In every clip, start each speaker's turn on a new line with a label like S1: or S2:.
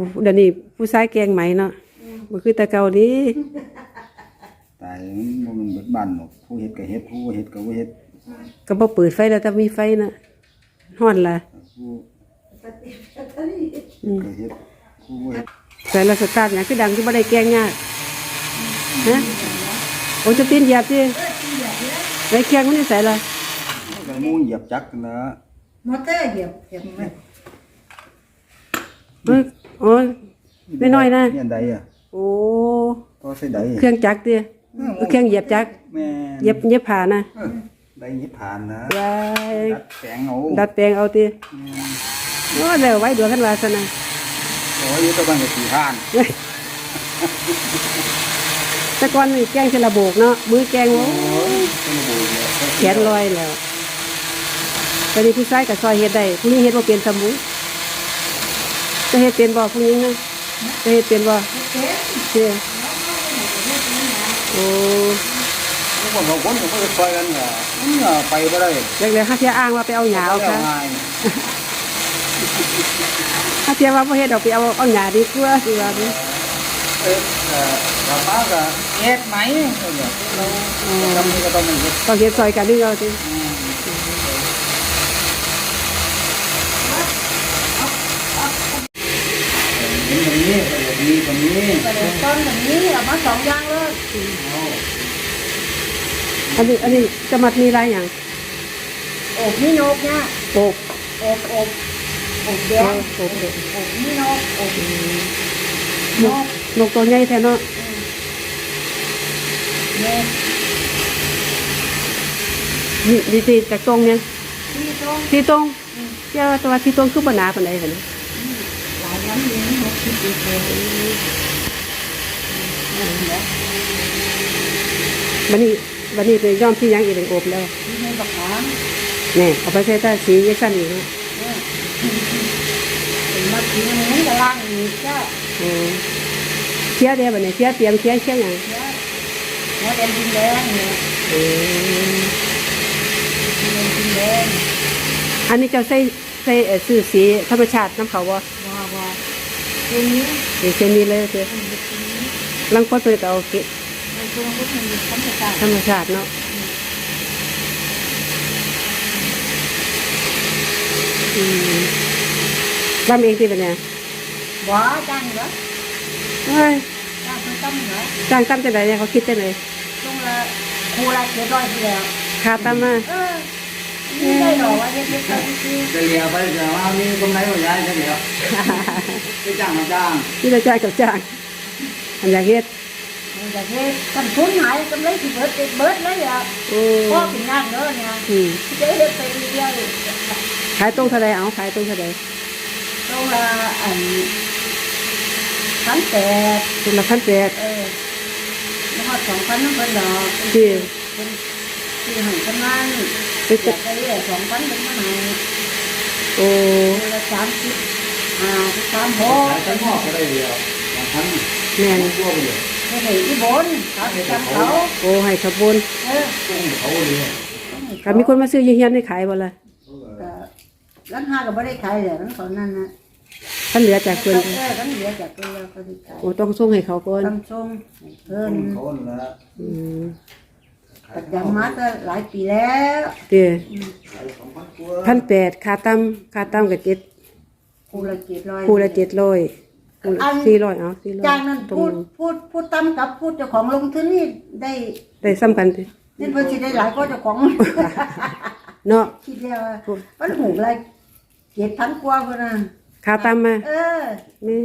S1: เดี๋ยวนี้ผู้ชายแกงไหมเนาะบ่คือแต่เก่านี้
S2: ตายมันเบิดบ้านหรอกผู้เฮ็ดก็เฮ็ดผู้บ่เฮ็ดก็บ่เฮ็ด
S1: ก็บ่เปิดไฟแล้วถ้ามีไฟน่ะฮ้อนล่ะ
S2: ผู้ก็เฮ็ดผู้บ่เฮ็ด
S1: ใส่ละสตาร์ทหยังคือดังที่บ่ได้แกงยากฮะโอ้จะตีนเหยียบสิไว้แกงมันนี่ใส่ละ
S2: ก็มูเหยียบจักนั่นล่ะ
S3: มอเตอร์เหยียบไหม
S1: โอ้ยน้อยๆนะ
S2: เนี่ยใดอ่ะ
S1: โอ้
S2: ก็ใส่ใด
S1: เครื่องจักรติเครื่องเหยียบจักร
S2: แม่
S1: เย็บผ้านะ
S2: ใดหยิบผ่านนะ
S1: ว้าย
S2: ดัดแปลงเอา
S1: ติโอ้แล้วไว้ดวงกันว่าซั่นน่ะ
S2: โอ้ยอยู่ตะบันก็สิผ่าน
S1: แต่ก่อนนี่แกงเทละโบกเนาะมือแกงโอ้ยแขนลอยแล้วตอนนี้ผู้ชายก็ซอยเฮ็ดได้ผู้หญิงเฮ็ดบ่เป็นซะหมู่จะเฮ็ดเป็นบ่ผู้หญิงนะจะเฮ็ดเป็นบ่เจ้โอ้
S2: คนบางคนก็ซอยกันไปบ่ได้
S1: แล้วๆหาเที่ยอ้างว่าไปเอาหญ้าเอาค่ะหาเที่ยว่าบ่เฮ็ดเอาไปเอาหญ้าดีกว่าสิว่านี่
S2: ป้าก็เฮ็ดไหมเราทำนี่ก็ต้องเฮ็ด
S1: ต้องเฮ็ดซอยกันนี่เอาสิ
S3: ต้นแบบนี้เอามา2อย่างเลย
S1: อันนี้จะมัดมีลายอย่าง
S3: อบนี่นกเนี่ย
S1: อบ
S3: แดงอบนี่น
S1: กตัวใหญ่แท้เนาะนี่ตีจากตรงเนี่ยที่ตรงเจ้าตัวที่ตรงคือบ่หนาปานใดหั่นน่ะ
S3: หลายน้ำเลี้ยง6คิดดีเลย
S1: บัดนี้ไปย้อมที่ยังอีกเป็นอบแล้ว
S3: นี่บักขาม
S1: นี่เอาไปใช้ตาสียักษ์สั้นอีกนะ
S3: เป็นมาสีนี้ก็ล่างอีกจ้ะ
S1: เคี้ยเดียวแบบนี้เคี้ยเตรียมเคี้ยอย่าง
S3: หัวแดงดินแดงเนี่ยดินแดง
S1: อันนี้จะใส่สื่อสีธรรมชาติน้ำเขาบ่
S3: ตัวนี้
S1: เช่นนี้เลยคือลังพดไปก็เอาเกะธรรมชาติเนาะทำเองที่เป็นไง
S3: บ่จ้างเหรอ
S1: เฮ้ย
S3: จ้างตั้มเหรอ
S1: จ้างตั้มจะไหนเนี่ยเขาคิดจะไหน
S3: ช่วงละครูละ700ทีแล้ว
S1: ค่าตั้มมา
S3: นี่ได้หรอว่าเฮ็ดๆ
S2: จะเลียไปแต่ว่ามีตรงไหนบ่ย้ายจังเดียวไปจ้างมาจ้าง
S1: ที่จะจ่ายกับจ้างอันอยากเฮ็ด
S3: อยากเฮ็ดกันทุนหายกำไรสิเบิดเลยอ่ะพ่อเป็นงานเด้อเนี่ยจะเฮ็ดไปเรื่อย
S1: ขายตรงเท่าไรเอาขายตรงเท่าไร
S3: ตรงละ1,800
S1: ตรงละ1,800
S3: แล้วก็2,000นั่นเพิ่นดอก
S1: ที่
S3: ให้กำนันไปจัดไป2,000เป็นมาให้
S1: โอ้
S3: ละ30 36
S2: ไปมอบก็ได้เดียว2,000
S1: แม่น
S3: ให้อีบนเขา
S1: โอ้ให้ขบวน
S2: เขาเลย
S1: ก็มีคนมาซื้อเฮียนให้ขายบ่ล่ะ
S3: ร้านค้าก็ไม่ได้ขายเลยนั่นตอนนั้นนะ
S1: ท่านเหลือจากเพิ่น
S3: ท่านเหลือจากเพิ่นแล้วก็ได้ขาย
S1: โอ้ต้องส่งให้เขาก่อน
S3: ต้องส่งเพิ่น
S2: เขาละ
S3: ประจำมาตั้งหลายปีแล้ว
S1: เด้1,800ค่าตั้มก็
S3: คูละ700
S1: คูละ700 400เอา400
S3: จากนั้นพูดตั้มกับพูดเจ้าของลงทุนนี่
S1: ได้ซ้ำกันติ
S3: นี่เพิ่นสิได้หลายกว่าเจ้าของ
S1: เนาะ
S3: คิดแล้วมันหูละ7,000กว่าพุ่นน่ะ
S1: ค่าตั้มมา
S2: แม่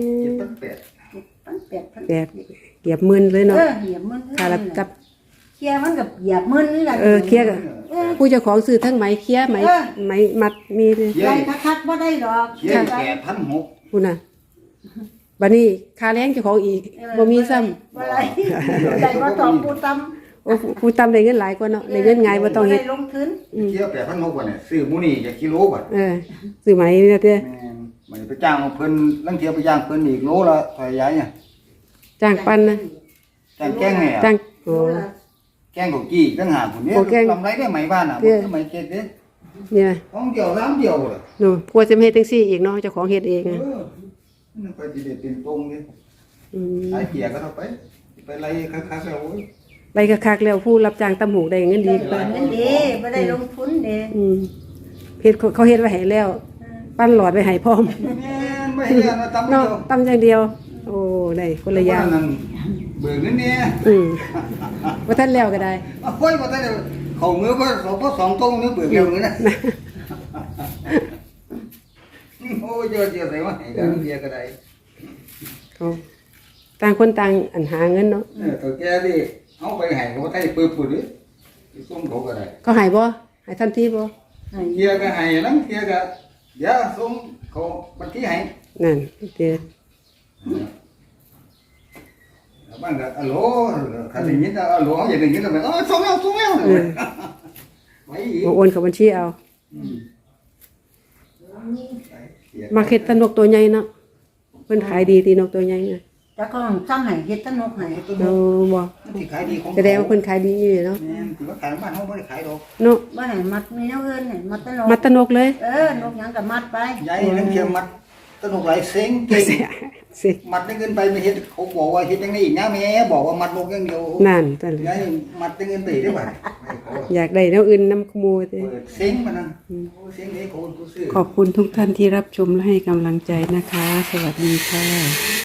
S3: 7,800
S1: เหยียบ10,000เลยเนาะ
S3: เหยียบ10,000
S1: ค่าละกับ
S3: เคลียร์มันกับเหยียบ10,000นี่แหละ
S1: เคลียร์ก็ผู้เจ้าของซื้อทั้งไหมเคลียร์ไหมมัดมีเลย
S3: ได้คักๆบ่ได้ดอก
S2: เคลียร์8,600
S1: พุ่นน่ะบัดนี้ค่าแรงเจ้าของอีกบ่มีซ้ำ
S3: บ่ได้ได้บ่ต้องผู้ตั้ม
S1: โอ้ผู้ตั้มได้เงินหลายกว่าเนาะได้เงินง่ายบ่ต้องเฮ็ด
S3: ลงทุน
S2: เกี่ยว8,600บ่เนี่ยซื้อหมูนี่จะกิโลบาท
S1: ซื้อไหมเนี่ยเด้
S2: มันไปจ้างเพิ่นลังเที่ยวไปจ้างเพิ่นอีกโลละเท่าใหญ่เนี่ย
S1: จ้างปั้นนะ
S2: จ้างแกงแหน่
S1: จ้างโอ้
S2: แกงของกี้ตั้งหากพุ่นเนี่ยกำไรได้ไหมบ้านน่ะบ่คือไหมเก็ดเด้
S1: เนี่ย
S2: ของเดียว3เดียวเลย
S1: เนาะกลัวจะเฮ็ดจังซี่อีกเนาะเจ้าของเฮ็ดเอง
S2: นั่นไปสิได้เป็นตรงนี่ สายเกียร์ก็เอาไปไล่คักๆแล้วโอ้ย
S1: ไรคักๆแล้วผู้รับจ้างตำหูได้เงินดีกว่า
S3: เงินดีไม่ได้ลงทุนเด้
S1: เฮ็ดเขาเฮ็ดไว้ให้แล้ว ปั้นหลอดไว้ให้พร้อม
S2: แม่นไม่เห็นว่าตำเดี
S1: เนาะ
S2: ยว
S1: ตำอย่างเดียว โอ้ได้คนละอย่าง
S2: นั่นเบิกเงินเนี่ย
S1: ว่าท่านแล้วก็ได้
S2: โอ้ยบ่ทันได้เข้ามือบ่สองตรงนึงเบิกแล้วเงินนะโอ้ยเยอะๆใส่มาให้กันเบียร์ก็ได้
S1: เขาต่างคนต่างอันหาเงินเนาะ
S2: ตัวแกดิเอาไปให้เขาได้ปื้อๆดิส่งเขาก็ได้
S1: เขาใหายบ่ใหายทันทีบ่
S2: เกียร์ก็ให้นั้นเกียร์ก็เดี๋ยวส่งเขาบัญชีให้
S1: นั่นเด้อ
S2: บ้านก็อะโหลคันได้ยินอะโหลอย่างนี้ก็แบบส่งแล้วไว้อีก
S1: โอนเข้าบัญชีเอามาเฮ็ดตะนกตัวใหญ่เนาะเพิ่นขายดีตีนกตัวใหญ่น่ะ
S3: แต่ก็สร้างให้เฮ็ดตนกให้
S1: โอ้บ่
S2: ที่ขายดีของ
S1: แสดงว่าเพิ่นขายดีอยู่เนาะ
S2: แม่นถือว่าขายบ้านเฮาบ่ได้ขายดอก
S1: เนาะ
S3: บ่ให้มัดมีแนวอื่นให้มัดตนก
S1: มัดตะนกเลย
S3: นกหยังก็มัดไป
S2: ยายนั่นเคียมัดตนุกหลายเซ็งเก่ง
S1: สิ
S2: มัดได้เงินไปไม่เฮ็ดเขาบอกว่าเฮ็ดจังได๋อีกนะแม่บอกว่ามัดนกอย่างเดียว
S1: นั่นนั่นแหละ
S2: ยายมัดได้เงินไปได้บ่
S1: อยากได้แนวอื่นนำขโมยติ
S2: เปิดเซ็งมันนั่นเซ็งให้คนผู้ซื้อ
S1: ขอบคุณทุกท่านที่รับชมและให้กำลังใจนะคะ สวัสดีค่ะ